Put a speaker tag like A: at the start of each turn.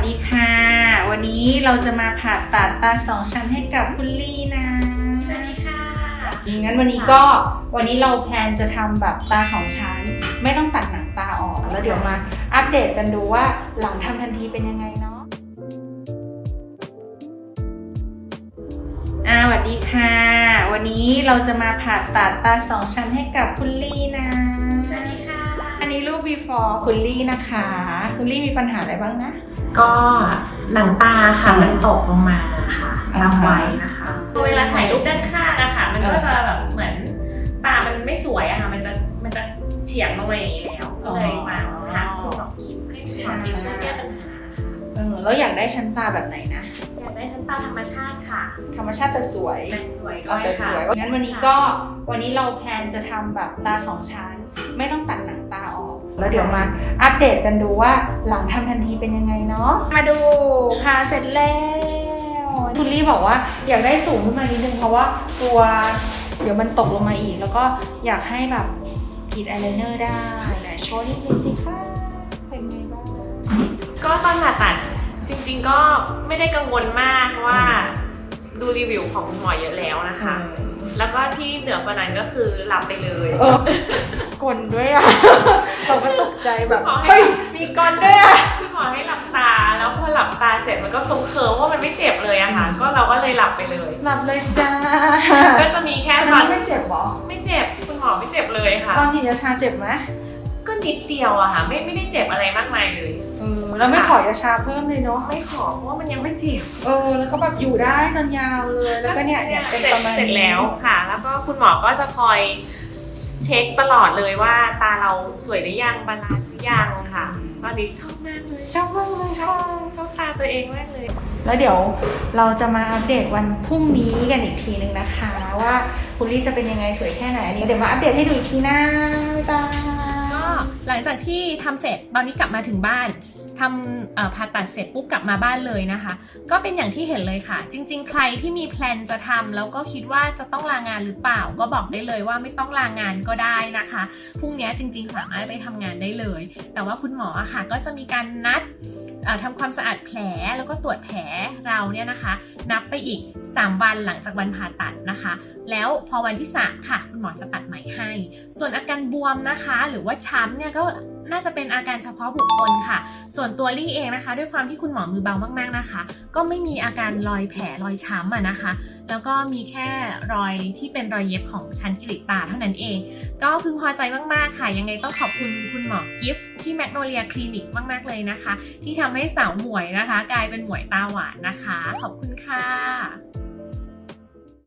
A: ดีค่ะวันนี้เราจะมาผ่าตัดตา2 ชั้นให้กับคุณลี่นะ
B: สวัสดีค่ะ
A: งั้นวันนี้เราแพลนจะทำแบบตา2 ชั้นไม่ต้องตัดหนังตาออกแล้วเดี๋ยวมาอัปเดตกันดูว่าหลังทำทันทีเป็นยังไงเนาะสวัสดีค่ะวันนี้เราจะมาผ่าตัดตา2 ชั้นให้กับคุณลี่นะ
B: สวัสดีค่ะ
A: อันนี้รูป before คุณลี่นะคะคุณลี่มีปัญหาอะไรบ้างนะ
B: ก็หนังตาค่ะมันตกลงมาค่ะทับไว้นะคะเวลาถ่ายรูปด้านข้างอะค่ะมันก็จะแบบเหมือนตามันไม่สวยอะค่ะมันจะเฉียงลงมาอย่างนี้แล้วก็เลยมาหาคุณหมอกิ๊ฟให้คุณหมอกิ๊ฟช่วยแก้ปัญหาค่ะ
A: แล้วอยากได้ชั้นตาแบบไหนนะ
B: อยากได้ชั้นตาธรรมชาติค่ะ
A: ธรรมชาติแต่สวย
B: ด้วยค่ะ
A: งั้นวันนี้เราแพลนจะทำแบบตา2 ชั้นไม่ต้องตัดหนังตาออกแล้วเดี๋ยวมาอัปเดตกันดูว่าหลังทำทันทีเป็นยังไงเนาะมาดูผ่าเสร็จแล้วคุณลี่บอกว่าอยากได้สูงขึ้นมานิดนึงเพราะว่ากลัวเดี๋ยวมันตกลงมาอีกแล้วก็อยากให้แบบกรีดอายไลเนอร์ได้ไหนโชว์นิดนึงสิคะเป็นไงบ้าง
B: ก็ตอนผ่าตัดจริงๆก็ไม่ได้กังวลมากเพราะว่าดูรีวิวของหมอเยอะแล้วนะคะแล้วก็ที่เหนือกว่านั้นก็คือหลับไปเลย
A: กลด้วยอ่ะเราก็ตกใจแบบเฮ้ยมีกลด้วยอ่ะ
B: คุณหมอให้หลับตาแล้วพอหลับตาเสร็จมันก็ทรงเคิร์มว่ามันไม่เจ็บเลยอะค่ะก็เราก็เลยหลับไปเลย
A: หลับเลยจ้า
B: ก็จะมีแค่
A: ตอนไม่เจ็บหรอ
B: ไม่เจ็บคุณหมอไม่เจ็บเลยค่ะ
A: ตอนฉีดยาชาเจ็บไหม
B: ก็นิดเดียวอะค่ะไม่ได้เจ็บอะไรมากมายเลย
A: แล้วไม่ขอยาชาเพิ่มเลยเนาะ
B: ไม่ขอเพราะว่ามันยังไม่เจ็บ
A: แล้วก็แบบอยู่ได้จนยาวเลยแล้วก็เนี่ยเป็นประมาณ
B: เสร็จแล้วค่ะแล้วก็คุณหมอก็จะคอยเช็คตลอดเลยว่าตาเราสวยหรือยังบาลานซ์หรือยังค่ะตอนนี้ชอบมากเลย
A: ชอบ
B: ตาตัวเองมากเลย
A: แล้วเดี๋ยวเราจะมาอัปเดตวันพรุ่งนี้กันอีกทีนึงนะคะว่าคุณลี่จะเป็นยังไงสวยแค่ไหนอันนี้เดี๋ยวมาอัปเดตให้ดูอีกทีนะบ๊ายบาย
B: ก็หลังจากที่ทำเสร็จตอนนี้กลับมาถึงบ้านทำผ่าตัดเสร็จปุ๊บกลับมาบ้านเลยนะคะก็เป็นอย่างที่เห็นเลยค่ะจริงๆใครที่มีแพลนจะทำแล้วก็คิดว่าจะต้องลางานหรือเปล่าก็บอกได้เลยว่าไม่ต้องลางานก็ได้นะคะพรุ่งนี้จริงๆสามารถไปทำงานได้เลยแต่ว่าคุณหมอค่ะก็จะมีการนัดทำความสะอาดแผลแล้วก็ตรวจแผลเราเนี่ยนะคะนับไปอีก3 วันหลังจากวันผ่าตัดนะคะแล้วพอวันที่3ค่ะคุณหมอจะตัดใหม่ให้ส่วนอาการบวมนะคะหรือว่าช้ำเนี่ยก็น่าจะเป็นอาการเฉพาะบุคคลค่ะส่วนตัวลี่เองนะคะด้วยความที่คุณหมอมือเบามากๆนะคะก็ไม่มีอาการรอยแผลรอยช้ำนะคะแล้วก็มีแค่รอยที่เป็นรอยเย็บของชั้นกรีดตาเท่านั้นเองก็พึงพอใจมากๆค่ะยังไงต้องขอบคุณคุณหมอกิฟต์ที่แมกโนเลียคลินิกมากๆเลยนะคะที่ทำให้สาวหมวยนะคะกลายเป็นหมวยตาหวานนะคะขอบคุณค่ะ